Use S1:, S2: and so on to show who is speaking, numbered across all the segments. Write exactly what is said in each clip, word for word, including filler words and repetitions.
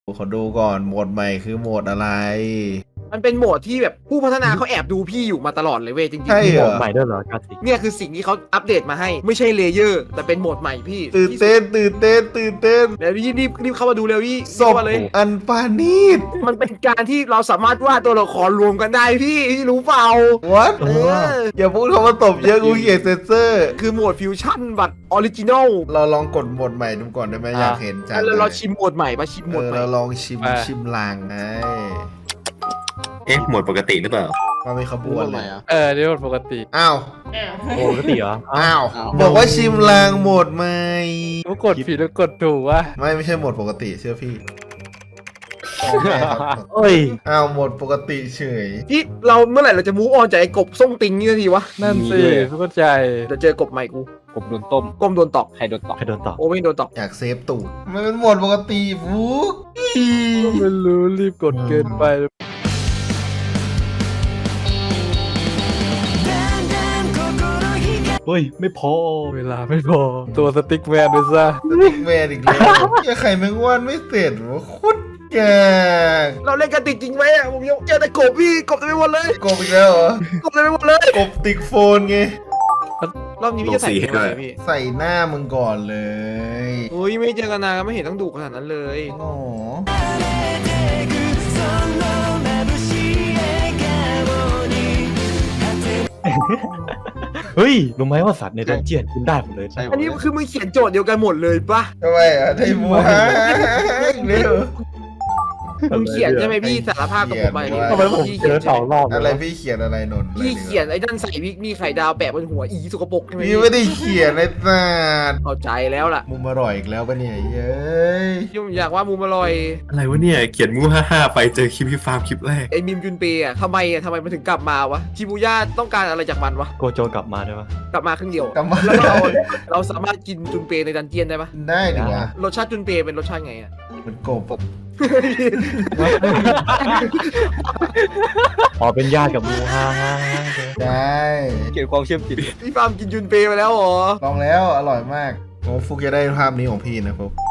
S1: ขอดูก่อนโหมดใหม่คือโหมดอะไร
S2: มันเป็นโหมดที่แบบผู้พัฒนาเขาแอบดูพี่อยู่มาตลอดเลยเว้ยจริงๆ
S1: ใช่เหรอ
S3: ใหม่ด้วยเหรอกาติก
S2: เนี่ยคือสิ่งที่เขาอัปเดตมาให้ไม่ใช่เลเยอร์แต่เป็นโหมดใหม่พี่
S1: ตื่นเต้นตื่นเต้นตื่นเต้น
S2: เดี๋ยวรีบรีบรีบเข้ามาดูเร็วพี่
S1: ศพ
S2: เข้ามาเลย
S1: อันปานีต
S2: มันเป็นการที่เราสามารถวาดตัวละครรวมกันได้พี่พี่รู้เปล่า
S1: what
S2: เออ
S1: อย่าพูดคำว่าตบเยอะกูเกลียดเซนเซอร์
S2: คือโหมดฟิวชั่นบัตรออริจินอล
S1: เราลองกดโหมดใหม่ดูก่อนได้ไหมอยากเห็นจัง
S2: แล้ว
S1: เล
S2: เรา
S1: ย
S2: ชิมโหมดใหม่ปะชิมโหม
S1: เอ
S2: ด
S1: อ
S2: ใหม่
S1: เราลองชิมชิมลางไง
S4: เอ๊ะหมวดปกติหรือเปล่า
S1: มาเป็นขบวนเลย
S5: เออนี่มันปกติ
S1: อ้าว
S3: โอ้ปกติเหรอ
S1: อ้าวบอกว่าชิมลางโหมดใหม่
S5: ก็กดผิดแล้วกดถูกวะ
S1: ไม่ไม่ใช่โหมดปกติเชื่อพี่
S3: เอ้ย
S1: อ้าวโหมดปกติเฉย
S2: ที่เราเมื่อไหร่เราจะมูฟออนจากไอ้กบส้มติงนี่สักทีวะ
S5: นั่นสิเข้าใจ
S2: เดี๋ยวเจอกบใหม่กู
S6: ผมโดนต้ม
S2: กบโดนตอก
S6: ใครโดนตอก
S3: ใครโดนต่อ
S2: โอไม่โดนตอก
S1: อยากเซฟตูดมันเป็นโหมดปกติฟุก
S5: ไม่รู้รีบกดเกินไป
S3: เฮ้ยไม่พอ
S5: เวลาไม่พอตัวสติ๊กแมนไปซะ
S1: ติ๊กแมนอีกแล้วอย่าไข่แมงวันไม่เสร็จวะโคตรแกก
S2: เราเล่นกันติดจริงไหมอะผมยังเจอแต่กบพี่กบเต็มไปหมดเลย
S1: กบอีกแล้วเหรอก
S2: บเต็มไปหมดเลย
S1: กบติกโฟนไง
S2: รอบนี้พี่จะใส่ยังไงพี่
S1: ใส่หน้ามึงก่อนเลย
S2: โอ้ยไม่เจอกันนานไม่เห็นต้องดุขนาดนั้นเลย
S1: โอ้โห
S3: เฮ้ยรู้ไหมว่าสัตว์ในดันเจียนคุณได้หมดเลย
S6: ใช่
S2: อันนี้คือมึงเขียนโจทย์เดียวกันหมดเลยปะ
S1: ทำไมอ่ะไทยมัวอีกแล้ว
S2: มึงเขียนใช่ไหมพี่สารภาพกับผมไปนี่
S3: ทำไมผมเจอสองรอบ
S1: อะไรพี่เขียนอะไรนนท์
S2: พี่เขียนไอ้นั่นใส่วิกมีไข่ดาวแปะบนหัวอีสกปรกใช่ไหม
S1: พี่ไม่ได้เขียนในศาสตร์
S2: เข้าใจแล้วล่ะ
S1: มุมอร่อยอีกแล้วปะเนี่ยเย้ย
S2: ยุ่งอยากว่ามูมอร่อย
S4: อะไรวะเนี่ย เขียนมูห้าห้าไปเจอคลิปพี่ฟาร์มคลิปแรก
S2: ไอ้มิมจุนเปย์อะทำไมอะทำไมมันถึงกลับมาวะชิบูย่าต้องการอะไรจากมันวะ
S3: โกโจกลับมาได้ปะ
S2: กลับมาครึ่งเดียว
S1: กลับมา
S2: แล้วเราเราสามารถกินจุนเปย์ในดันเจียนได้ปะ
S1: ได้ดิวะ
S2: รสชาติจุนเปย์เป็นรสชาติไงอะ
S1: มันกบ
S3: อ๋อเป็นญาติกับมูฮ่าฮ่าฮ่า
S1: ได้
S6: เกี่ยวความเชื่อมจิต
S2: พี่ฟาร์มกินจุนเปย์ไปแล้วเหรอ
S1: ลองแล้วอร่อยมากโอ้ฟุกจะได้ภาพนี้ของพี่นะฟุก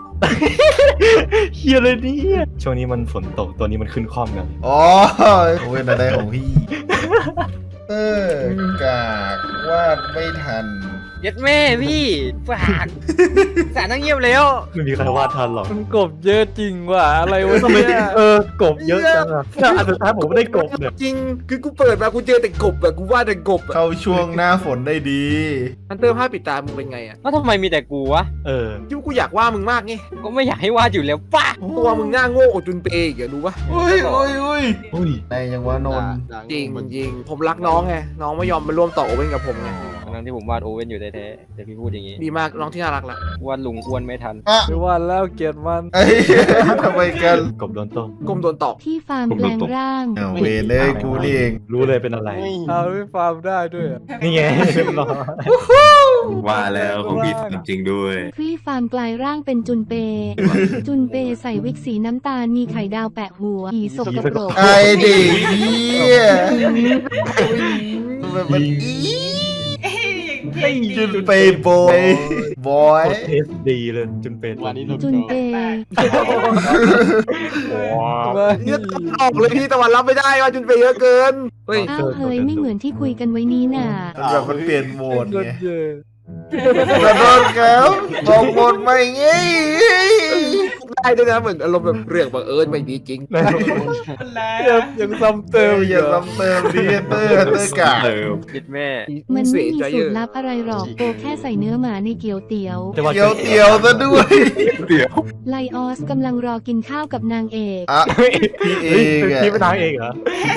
S3: เฮียเลยเนี่ยช่วงนี้มันฝนตกตัวนี้มันขึ้นคล่อมกัน
S1: อ๋อโอ้ยน่าได้ของพี่เออกากวาดไม่ทัน
S6: เย็ดแม่พี่ฝากสารนั่งเงียบแล้ว
S3: ไม่มีใครวาดทันหรอก
S5: มันกบเยอะจริงว่ะอะไรวะ
S3: ทำไม
S5: เนี่ย
S3: เออกบเยอะจังอะแล้วอันสุดท้ายผมไม่ได้กบเนี่ย
S2: จริงคือกูเปิดมากูเจอแต่กบอะกูว่าแต่กบอะ
S1: เข้าช่วงหน้าฝนได้ดี
S2: อันเตอร์ผ้าปิดตามึงเป็นไงอะ
S6: แล้วทำไมมีแต่กูวะ
S3: เออ
S2: ที่กูอยากว่ามึงมากไง
S6: ก็ไม่อยากให้วาดอยู่แล้วป้า
S2: ตัวมึงหน้าโง่กว่าจุนเปย์อีกอะรู้ปะ
S1: อุ้ยอุ้ยอุ้ย
S3: อุ้ย
S1: ในยังว่านนท์
S2: จริงจริงผมรักน้องไงน้องไม่ยอมมาร่วมต่อโอเว่นกับผมไง
S6: ทั้งที่ผมวาดโอเว่นอยู่แท้ๆแต่พี่พูดอย่างนี้
S2: ดีมากน้องที่น่ารักละ
S6: วาดลุงอ้วนไม่ทัน
S1: อ่ะ
S5: ไม่ว่าแล้วเกลียดมัน
S1: ไอ้ทำไมกัน
S3: กบโดนต้ม
S2: กลมโดนตอก
S7: ที่ฟาร์มแปลงร่าง
S1: เอาเวรเลยกูนี่เอง
S3: รู้เลยเป็นอะไร
S5: เอาไม่ฟาร์มได้ด้วยอะ
S3: นี่ไงเรียบร้อย
S4: ว่าแล้วของพี่ฟาร์มจริงด้วย
S7: ที่ฟาร์มกลายร่างเป็นจุนเป จุนเปใส่วิกสีน้ำตาลมีไข่ดาวแปะหัวอีสกปรก
S1: ไอ้เด็กเหี้ยมันมันอีจุดไปบอยบอย
S3: กดเทสดีเลยจนเป็น
S7: จุนเป
S3: ว้าว
S5: มา
S2: เนี่ยออกเลยพี่ตะวันรับไม่ได้ว่าจุนเปย์เยอะเกินเฮ้ย
S7: อ้าวเฮ้ยไม่เหมือนที่คุยกันไว้นี้น่ะ
S1: มันแบบมันเปลี่ยนโหมด
S5: ก
S1: ไง
S5: ดเยอะ
S1: ขอโทษครับบอกโหมดใหม่ไง
S2: ได้ด้วยนะเหมือนอารมณ์แบบเรื่องบังเอิญไม่มีจริง
S5: ยังยังซ้ำเติม
S1: อ
S5: อีก
S1: ย่า
S5: เหรอ
S1: ซ้ำเติมดิเตอร์เตอร์กา
S4: เออ
S6: เย็ดแม่
S7: มัน
S2: เสี
S7: ไม่
S2: ย
S7: มี
S2: ใจ
S7: สู
S2: เย
S7: ต
S2: อะ
S7: รลับอะไรหรอกโปแค่ใส่เนื้อหมาในเกี๊ยวเตี๋ยว
S3: แต่ว่า
S1: เตียวเตียวซะด้วย
S4: เดี๋ยว
S7: ไลออสกำลังรอกินข้าวกับนางเอก
S1: อ่ะพี่เอ
S3: เฮ้ย
S1: ง
S3: เป็น
S1: อะ
S3: พี่เป็นนางเอกเหรอ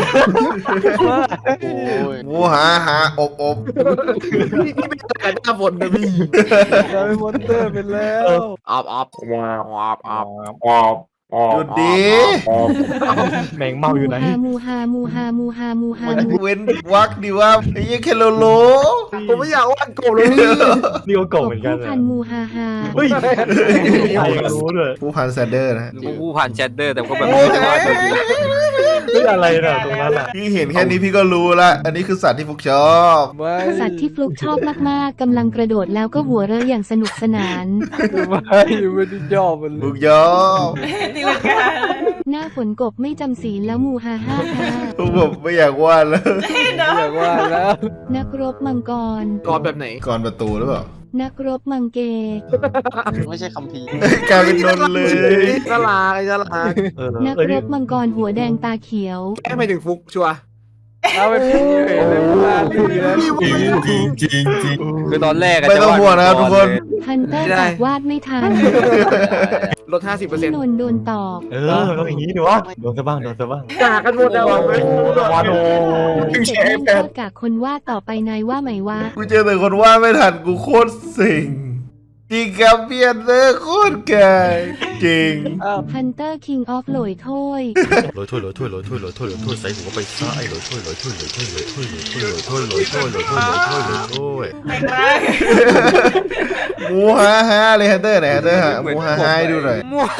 S1: วูหาหาอบอบ
S2: พี่พี่ไม่เจอกันหน้าฝนนะพี่
S5: กลายเป็นมอนเตอร์ไปแล้ว
S2: ออบออบออบออบ
S4: ออบออบ
S1: หยุดดี
S3: แมงเมาอยู่ไหน
S7: มูฮามูฮามูฮามูฮามูฮามู
S1: เว้นวักดีว่าไอ้ยังแคโลโล
S2: ผมไม่อยากว่ากบเลยพี่
S3: นี่ก็โกงเหมือนกัน
S7: ผู้
S3: เลย
S7: พันมูฮาฮา
S3: เฮ้ยใครรู้เลย
S1: ผู้พันแซนเดอร์นะฮะ
S6: ผู้ผ่านแชทเดอร์แต่ก็แบบ
S1: โอ้
S6: ไม่
S1: ย
S6: ได้วาดแบบนี้
S3: เฮ้ยอะไรน่ะตรงนั้นอ่ะ
S1: พี่เห็นแค่นี้พี่ก็รู้ละ อันนี้คือสัตว์ที่ฟุกชอบ
S5: ไม่
S7: สัตว์ที่ฟลุกชอบมากๆกำลังกระโดดแล้วก็หัวเราะอย่างสนุกสนาน
S5: ไม่ไม่ได้ยอมมันเล
S1: ฟุ
S5: ย
S1: กชอบ
S8: ตีลังกา
S7: หน้าฝนกบไม่จำศีลแล้วมูฮาฮ่าฮ่า
S1: ฟุกผมไม่อยากวาดแล้ว
S8: เนาะ
S5: อยากว่าแล้ว
S7: นักรบมังกร
S2: กรแบบไหน
S1: ก่อนประตูหรือเปล่า
S7: นักรบมังเก
S9: ไม่ใช่คัมภีร์
S1: เฮ้ยกลายเป็นนนท์เลย
S2: น่ารักไอ้น่ารัก
S3: เออ
S7: นัก
S3: เอ้ย
S7: รบมังกรหัวแดงตาเขียว
S2: แค่ไม่ถึงฟุกชัวร์
S5: เอาไปพี่เห็นเลยว่าเลือด
S4: จริงจริงจริงจริง
S5: คือตอนแรกอะ
S1: ไม่ต้องห่วงนะครับทุกคน
S7: ฮันเตอร์ตอบวาดไม่ทัน
S2: ลดห้าสิบเปอร์เซ็น
S7: พี่
S2: ต์
S7: นนท์โดนตอบ
S3: เออต้องอย่างนี้ดิวะโดนซะบ้างโดนซะบ้าง
S2: กากันหมดแล้วอะ
S3: วานโอ
S7: เด็กเล่นข้ากากคนวาดต่อไปนายว่าไหมวะ
S1: กูเจอแต่คนวาดไม่ทันกูโคตรเซ็งจริงครับเพียนเลยโคตรไกลจริง
S7: ฮันเตอร์คิงออฟโหลยถ้วย
S10: ลอยถ้วยลอยถ้วยลอยถ้วยลอยถ้วยลอยถ้วยใส่หัวไปซ้ายลอยถ้วยลอยถ้วยลอยถ้วยลอยถ้วยลอยถ้วยลอยถ้วยลอยถ้วยลอยถ้วยลอยถ้วยลอยถ้วย
S8: แปลงร่าง
S1: หมูฮ่าฮ่าเลยฮันเตอร์ไหนฮันเตอร์ฮะหมูฮ่าฮ่าให้ดูหน่อย
S2: มัว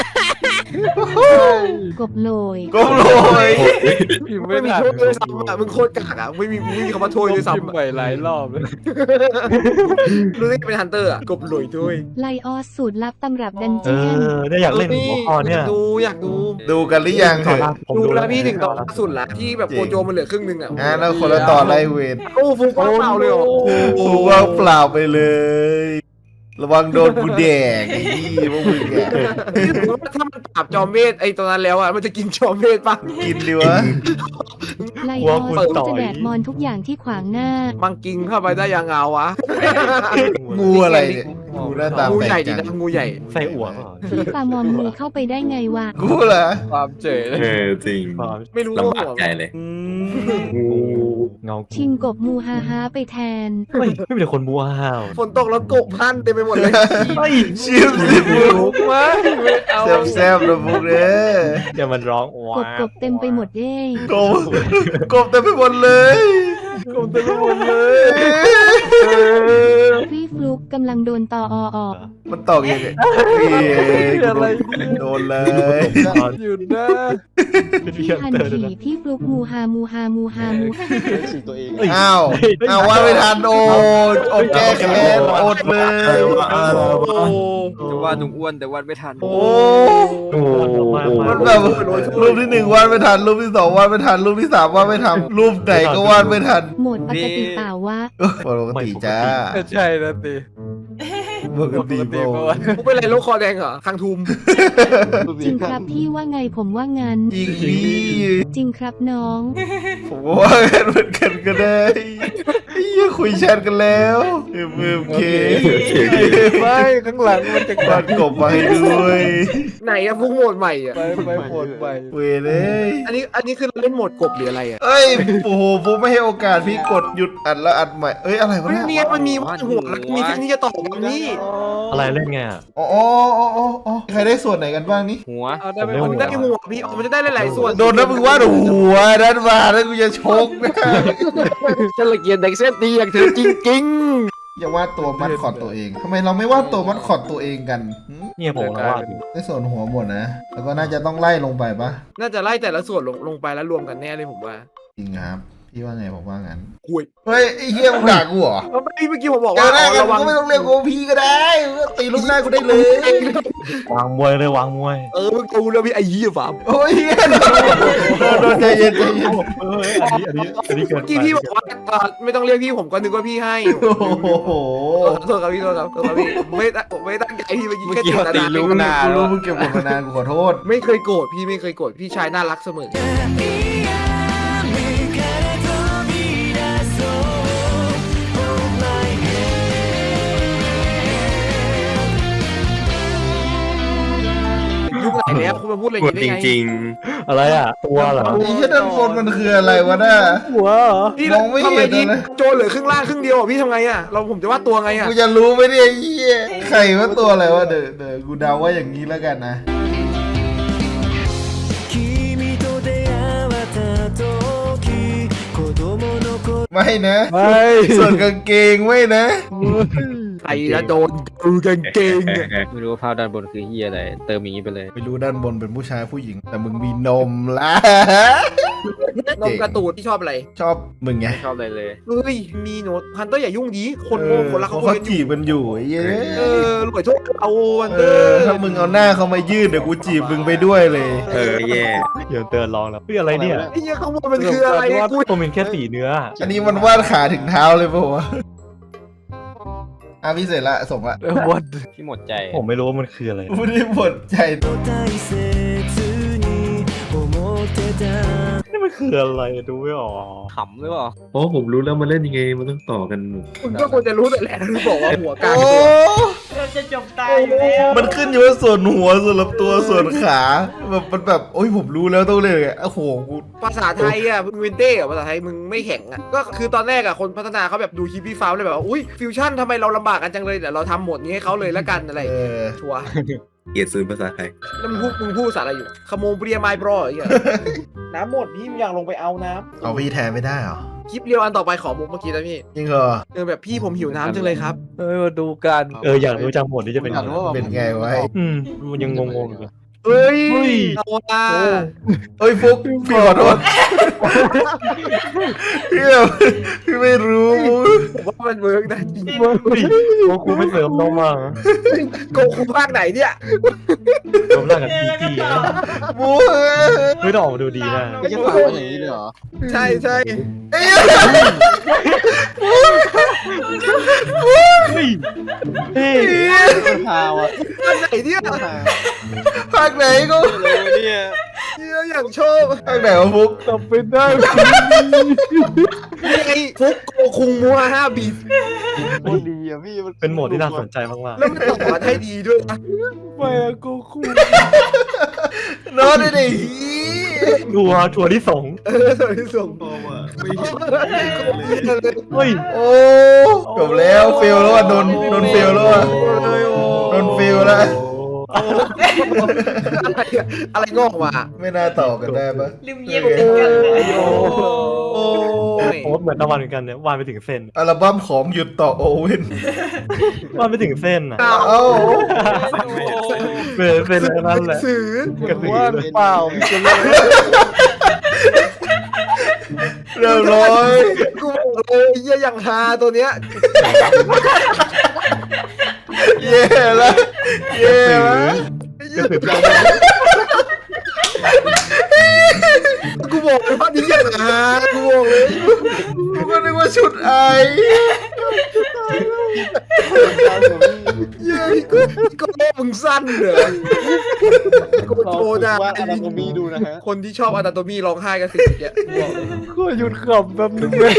S7: กบโหลย
S1: ก้มลอย
S5: พิมพ์
S2: ไม่
S5: ไม่
S2: มี
S5: ทัน
S2: โทษเลยซ้ำอ่ะมึงโคตรกากอ่ะไม่มีไม่มีคำว่าโทษเลย
S5: พิม
S2: ซ้ำ
S5: พ์
S2: อะ
S5: ใหม่หลายรอบเลย
S2: รู้ได้เป็นฮันเตอร์อ่ะกบหลุยด้วย
S7: ไลออสสูตรลับตำรับดัน
S3: เอ
S7: เจียน
S3: อได้อยากเล่นหัวข้อเนี่ย
S2: อยากดูอยากดู
S1: ดูกันหรือยังเถอะ
S3: ผม
S2: ดู
S3: ดู
S2: แล้วพี่ถึงตอนล่าสุดละที่แบบโกโจมันเหลือครึ่งนึงอ่ะ
S1: งานแล้วคนละต่อไล่เวร
S2: โอ้ฟุกว่างเปล่าเลยเหรอ
S1: ฟูว่างเปล่าไปเลย ระวังโดนกูแดกไอ้ที่พวกมึงแก
S2: พี่ถือว่าถ้ามันปราบจอมเวทไอ้ตอนนั้นแล้วอ่ะมันจะกินจอมเวทปะ
S1: กินดีวะ
S7: ไลออสก็จะแดกมอนทุกอย่างที่ขวางหน้า
S2: มังกิงเข้าไปได้ยังเงาวะ
S1: งูอะไรเนี่ยงูหน้าตา
S2: งู
S1: แปล
S2: ใหญ่
S1: ก
S2: ดี
S1: จัง
S2: นะงูใหญ่
S3: ใส่อั่วเปล่า
S7: พี่ปามอมมือเข้าไปได้ไงวะ
S1: กูเหรอ
S5: ความเจ๋อเลย
S4: เออจริง
S3: ความ
S2: ไม่รู้
S4: ลำบากใจเลย
S1: อืม
S4: งู
S3: เงา
S7: ชิงกบมูฮาฮาไปแทน
S3: ไม่ไม่เป็นคนบัวห้าว
S2: ฝนตกแล้วกบพันเต็มไปหมดเลย
S3: เฮ้ย
S1: ชิมสิบุก
S5: ไม่ไม่เอา
S1: แซ่บๆนะบุกเด้อ
S3: เดี๋ยวมันร้องว้าก
S7: บกบเต็มไปหมดเย้
S1: กบกบเต็มไปหมดเลย
S5: กลมเต็มไปหมดเลย
S7: พี่ฟลุกกำลังโดนตออออก
S1: มันตอกยังไงอะไรโดนเลย
S5: หยุดนะ
S3: เป็น
S7: พี่
S3: เพียง
S7: ฮัน
S3: เตอร์
S7: ที
S3: นะ
S7: พี่ฟลุกมูฮามูฮามูฮามูฮา
S9: สีตัวเอง
S1: อ้าวอ้าวว่าไม่ทันโอดอดแก้แค้นอดเลย
S5: จะว่าหนุ่มอ้วนแต่วันไม่ทัน
S1: โอ้
S3: โอ้มา
S1: มั
S3: มาน
S1: แบบรูปที่หนึ่งวาดไม่ทัน รูปที่สองวาดไม่ทัน รูปที่สามวาดไม่ทัน รูปไหนก็วาดไม่ทัน
S7: โหมดปกติเปล่าวะ
S1: ปกติจ้า
S5: ใช่นะตี
S1: ปกติโบ
S5: ปกติ
S2: กูเป็นไรโรคคอแดงเหรอคังทุม
S7: จริงครับพี่ว่าไงผมว่างั้น
S1: จริงพี่
S7: จริงครับน้อง
S1: ผมก็ว่ากันเหมือนกันก็ได้ไอ้เหี้ยคุยแชทกันแล้วเอ็มเอ็มเค
S5: ไม่ข้างหลังมันจะ
S1: วาดกบมาให้ด้วย
S2: ไหนอะฟุกโหมดใหม่อะ
S5: ไปไปโผล่ไป
S1: เวเลย
S2: อันนี้อันนี้คือเราเล่นโหมดกบหรืออะไรอะ
S1: เอ้ยโอ้โหผมไม่ให้โอกาสพี่กดหยุดอัดแล้วอัดใหม่เอ้ยอะไรวะ
S2: มัน
S1: เนี่ย
S2: มีมันมีว่าหัวแล้วมีเส้นที่จะต่อกันนี่
S3: อะไรเล่นไงอ่ะ
S1: อ๋ออ๋ออ๋ออ๋อใครได้ส่วนไหนกันบ้างนี่
S5: หัวเอาได้ไป
S3: ผม
S2: มัน
S3: เล่
S2: ได้
S3: น
S2: หัวพี่มันจะได้หลายๆส่วน
S1: โดนนะมึงว่าหัวด้านมาแล้วกูจะชกนะ
S2: ฉันละเกียดเด็กเส้นดีอย่างเธอจริง
S1: อย่าวาดตัวมัดคอดตัวเองทำไมเราไม่วาดตัวมัดคอดตัวเองกันหืม
S3: เนี่ยผมนะว่าอยู่
S1: ได้ส่วนหัวหมดนะ แล้วก็น่าจะต้องไล่ลงไปปะ
S2: ๆ น่าจะไล่แต่ละส่วนลงลงไปแล้วรวมกันแน่เลยผมว่า
S1: จริงครับ พี่ว่าไงผมว่างั้น
S2: คุย
S1: เฮ้ยไอ้เฮียมึงด่ากูเหรอ
S2: เมื่อกี้เมื่อกี้ผมบอก
S1: เจ
S2: ว่า
S1: อหน้ากัน
S2: ระวัง
S1: ก็ไม่ต้องเรียกกูพี่ก็ได้มึงก็ตีลูกหน้ากูได้เลย
S3: วางมวยเลยวางมวย
S2: เออมึงกูแล้วพี่ไอ้ยี่ฟาร์ม
S1: โอ้ยเฮียโดนโดนใจเย็นใจเย็น
S3: เอออันนี้อันนี้อันนี้เกิ
S2: เมื่
S3: น
S2: อกี้พี่บอกว่าเอ่อไม่ต้องเรียกพี่ผมก็นึกว่าพี่ให้
S1: โอ้โห
S2: เออโทษครับพี่โทษครับโทษครับพี่ผมไม่ตั้งผมไม่ตั้งใจพี่เมื่อกี้
S5: เมื่อ
S2: แค่
S5: กี้
S2: เจ
S5: เขา
S2: ต
S5: ตี
S2: นา
S5: ลูกหน้า
S1: กู
S5: แล้
S1: รู้
S5: ว
S1: มึงเก็บกดมานานกูขอโทษ
S2: ไม่เคยโกรธพี่ไม่เคยโกรธพี่ชายน่ารักเสมอ ยุคไหนแล้วคุณมาพูดอะไรอ
S4: ป
S2: ย่าว ง
S4: ด
S2: นี้ได้
S4: จ
S2: ไง
S4: ริง
S3: อะไรอ่ะ ตัวเหรอ
S1: ไอ้เฮียด้านบนมันคืออะไรวะน่ะ
S5: หัวเหรอ
S2: พี่
S1: มองไม่เห็น
S2: ทำไมพี่
S1: เลยนะ
S2: โจรเหลือครึ่งล่างครึ่งเดียวอ่ะพี่ทำไงอ่ะเราผมจะวาดตัวไงอ่ะ
S1: กูจะรู้ไหมเนี่ยไอ้เฮียใครว่าตัวอะไรวะเดี๋ยวเดี๋ยวกูเดาว่าอย่างนี้แล้วกันนะ ไม่นะ
S5: ไม่
S1: ส่วนกางเกงไม่นะ
S5: ไม่
S2: ใครจะโดนดูกางเกงอะ
S6: ไม่รู้ว่าภาพด้านบนคือเฮียอะไร เติมอย่างนี้ไปเลย
S1: ไม่รู้ด้านบนเป็นผู้ชายผู้หญิง แต่มึงมีนมละ
S2: นมกระตูดที่ชอบอะไร
S1: ชอบมึงไง
S6: ชอบเลยเลย
S2: เฮ้ยมีโน้ตฮันเตอร์อย่ายุ่งดีคนโง่คนรัก
S1: เขา
S2: เขา
S1: เขา
S2: คุยกันอ
S1: จี
S2: ยู่
S1: บกันอยู่ไอ้เย้
S2: เออรวยโชคเอาฮัน
S1: เอ
S2: เตอ
S1: อ
S2: ร์
S1: ถ้ามึงเอาหน้าเขามายืดเดี๋ยวกูจีบมึงไปด้วยเลย
S4: เออแย่
S3: เดี๋ยวเตือนลองแล้วเฮ้ยอะไรเนี่ย
S2: ไอ้เหี้ยข้างบนมันคืออะไรกู
S3: ผมเป็นแค่สีเนื้อ
S1: อันนี้มันวาดขาถึงเท้าเลยป่าวะอ่ะพี่เสร็จละส่งละ
S5: เออวัน
S6: ที่หมดใจ
S3: ผมไม่รู้ว่ามันคืออะไร
S1: พูดได้หมดใจ
S3: นี่มันคืออะไรดูไม่ออก
S6: ขำหรือเปล่า
S4: เพราะผมรู้แล้วมันเล่นยังไงมันต้องต่อกัน
S2: มึงก็ควรจะรู้แต่แหละที่บอกว่าหัวกลาง
S1: โอ้
S8: จะจบตายอยู่แล้ว
S1: มันขึ้นอยู่ว่าส่วนหัวส่วนลำตัวส่วนขาแบบมันแบบโอ้ยผมรู้แล้วต้องเลยอ่ะโอ้โหกู
S2: ภาษาไทยอ่ะมึงเวนเต้อะภาษาไทยมึงไม่แข็งอ่ะก็คือตอนแรกอ่ะคนพัฒนาเขาแบบดูคลิปพี่ฟ้าเลยแบบว่าอุ้ยฟิวชั่นทำไมเราลำบากกันจังเลยเดี๋ยวเราทำโหมดนี้ให้เขาเลยละกันอะไร
S1: เออ
S2: ชัวร์
S4: เกลียดซื้อภาษาไทย
S2: แล้วมึงพูดมึงพูดภาษาอะไรอยู่ขโมยเบียร์ไมบรอไอ้เหี้ยน้ำหมดพี่มึงอยากลงไปเอาน้ำ
S1: เอาพี่แทนไม่ได้เหรอ
S2: คลิปเรียวอันต่อไปขอมุกเมื่อกี้นะพี่
S1: จริงเหรอ
S2: เออแบบพี่ผมหิวน้ำจังเลยครับ
S5: เอ้ยมาดูกัน
S3: เอออยากรู้จังหมดที่จะเป็น
S9: อยากรู้ว่า
S1: เป็นไงวะ
S3: อืมมันยังงงๆอยู่
S2: เฮ้ย
S3: เฮ้ย
S2: เอาละ
S1: เอ้ยฟุกพี่ขอโทษพี่แบบพี่ไม่รู้
S2: ผมว่ามันเวิร์กนะจริง
S3: เฮ้ยโอ้ครูไม่เสริมน้องมา
S2: โกคูภาคไหนเนี่ย
S3: รวมร่างกับพีพีนะ
S1: บู๊
S3: ไม่ต้องออกมาดูดีนะ
S9: ไม่ใช่ฝากไว้อย่างนี้เลยเหรอ
S2: ใช่ใช่
S1: เอ้ย
S3: เฮ้ยเฮ้ย
S9: มันพาวอ่ะ
S2: ภาคไหนเนี่ย
S9: มันพา
S1: ภาคไหนก็
S9: เลยเนี่ย
S2: เหี้ยอย่างชอบ
S1: ภาคไหนวะฟุก
S5: จำเป็นได้
S2: ยังไงฟุกโกคุงมัวห้าบีท
S9: โคตรดีอ่ะพี่
S3: เป็นโหมดที่น่าสนใจมาก
S2: แล้วมันต่อมาให้ดีด้วยนะ
S5: ไม่อะกูคู่
S1: นอนได้ดิ
S3: ๆดูอ่ะทัวร์ที่สอง
S2: เออสวัสดีส่ง
S4: เพราะว่าไม่เห็น
S3: เฮ้ย
S1: โอ้จบแล้วเฟลแล้วอ่ะโดนโดนเฟลแล้วอ่ะโดนเฟลแล้ว
S2: อะไรอะอะไรงอกมา
S1: ไม่น่าต่อกันได้ปะ
S8: ลืมเย็บติดกันเลย
S1: โอ้โอ้
S3: โอ้เหมือนตะวันเหมือนกันเนี่ยวาดไปถึงเส้น
S1: อัลบั้มของหยุดต่อโอเว่น
S3: วาดไปถึงเส้นอ่ะ
S1: เอ้า
S3: เป็นเป็นอะไรนั่นแหละ
S2: สื่อ
S3: กระสือ
S5: ว่าเปล่าจะเลย
S1: เรียบร้อย
S2: กูบอกเลยเยี่ยอย่างฮาตัวเนี้ย
S1: เย่แล้วเย่แล้ว
S2: กูบอกเลยว่านี่อย่างฮากูบอกเลย
S1: กูก็นึกว่าชุดไอ
S2: เย้ยกูก็โลกมึงสั้นเหรอกู
S9: ลอง
S2: โทรนะ
S9: ว่าอนาโตมีดูนะฮะ
S2: คนที่ชอบอนาโตมีร้องไห้กันสิเนี่ยกูบอกเลย
S5: ก็หยุดขำแป๊บนึงเลย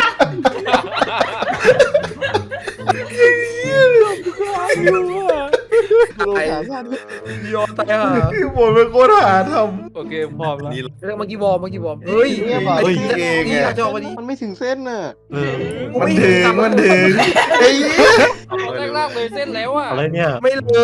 S9: ดูขาสั้น
S2: ยอมตายห่า
S1: พี่บนเป็นโคตรหาท
S5: โอเคพร้อมแล้ว
S4: นี่
S2: เรื่องเมื่อกี้วอร์มเมื่อกี้วอร์มเฮ้ย
S1: ำเฮ้ยเอง
S2: นี่
S1: อ่ะ
S2: จอวันนี้
S9: มันไม่ถึงเส้นน่ะ
S3: เออ
S1: มันถึงมันถึงไอ้เหี้ย
S6: ล่างๆเลยเส้นแล้วอ่ะ
S3: อะไรเนี่ย
S2: ไม่เลย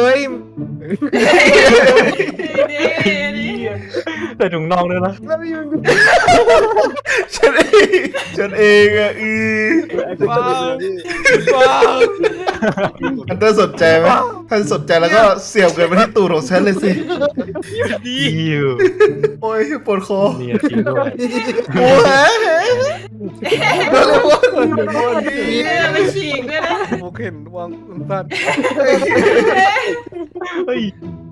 S3: แต่ถุงน่องด้วยนะ
S2: แล้วมีมัน
S1: ฉันเองฉันเองอ่ะอือ
S5: ว้าว
S1: อันเตอร์สนใจไหมถ้าสนใจแล้วก็เสียบเกินไปที่ตูดของฉันเลยสิ
S3: อิว
S1: โอ้ยปวดคอ
S3: เนี่ยจริงด้วย
S1: โอ้ยโดเรมอน
S8: มีเรื่องไปฉีกด้วยนะ
S5: โอเคนวางสั้น
S3: เฮ้ย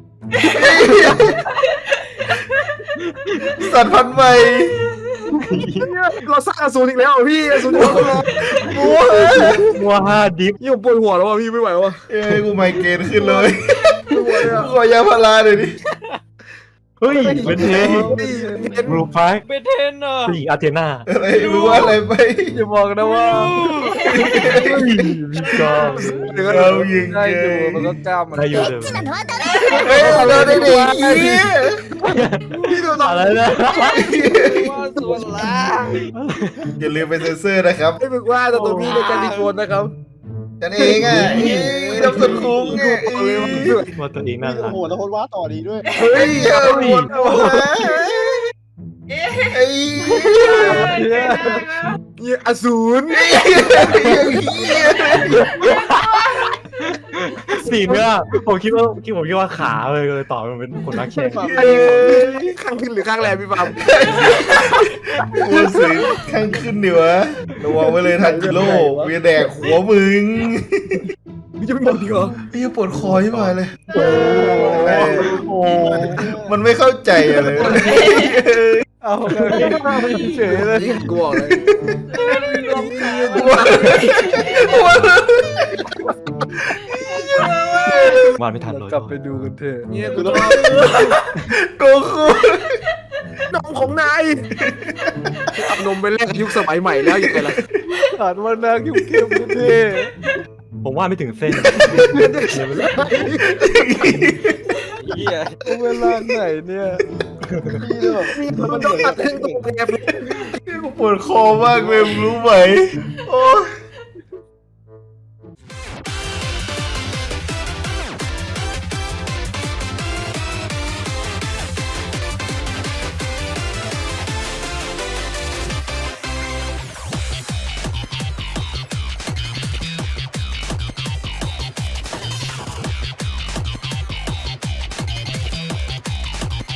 S1: สัตว์พันธุ์ใหม่
S2: เราสร้างอสูรอีกแล้วพี่อสูร
S1: โอ้ย
S3: มัวห้าดิฟ
S2: ยิ่งปวดหัวแล้วว่ะพี่ไม่ไหวว่ะ
S1: เอ้ยกูไมเกรนขึ้นเลย
S2: ไม่ไหวอ่ะ
S1: ขอยาพาราหน่อยดิ
S3: เฮ้ยเป็นเทนบลูพาร์ค
S6: เป็นเทนอ่ะ
S3: ผู้หญิงอาเทนา
S1: อะไรมึงว่าอะไรไป
S5: อย่าบอกนะว่า
S3: มีกอล์ฟ
S1: เรายิง
S5: ได้
S1: เก
S5: ดู
S1: ย
S5: มันก็กล้ามมัน
S3: ได้อยู่เลย
S1: เฮ้ยเราได้ดี
S2: พี่ดูต่อ
S3: อะไรนะ
S6: ว่าส่วนล่าง
S1: อย่าลืมไปเซ็นเซอร์นะครับ
S2: ให้มึงว่าอนาโตมีในการดีโฟนนะครับ
S1: ฉันเองอ่ะดับสุดคุ้งไง
S3: ว่าตัวเองน่า
S9: โอ้
S3: รัก
S9: โหแล้วคนว่าต่อดีด้วย
S1: เฮ้ยเอาหมดหัวไอ้
S2: เนี่ยอสูร
S1: เหี้ย
S3: สีเนื้อผมคิดว่าคิดผมคิดว่าขาเลยเลยตอบมันเป็นคนรักแข่ง
S2: อันนี้ข้างขึ้นหรือข้างแรมพี่ฟาร์ม
S1: กูซื้อข้างขึ้นดิวะระวังไว้เลยทันจิโร่เวียแดกหัวมึง
S2: มึงจะไม่บอกดีเหรอ
S1: ไอ้ปวดคอที่มาเลยโอ้มันไม่เข้าใจอะไร
S5: เอาเฉยเลย
S2: นี่กูบอกเลย
S3: วาดไม่ทันเลย
S5: กลับไปดูกันเถอะ
S2: เนี่ยกูต้อง
S1: โกคู
S2: นมของนายเอานมไปแลกกับยุคสมัยใหม่แล้วยังไงล่ะ
S5: อ่านว่านางยุ่งเข้มเท่
S3: ผมวาดไม่ถึงเส้น
S6: เฮีย
S5: เวลาไหนเนี่ย
S2: มันต้องตัดเส้นตรงแก
S1: ปวดคอมากเลยรู้ไหมโอ้ย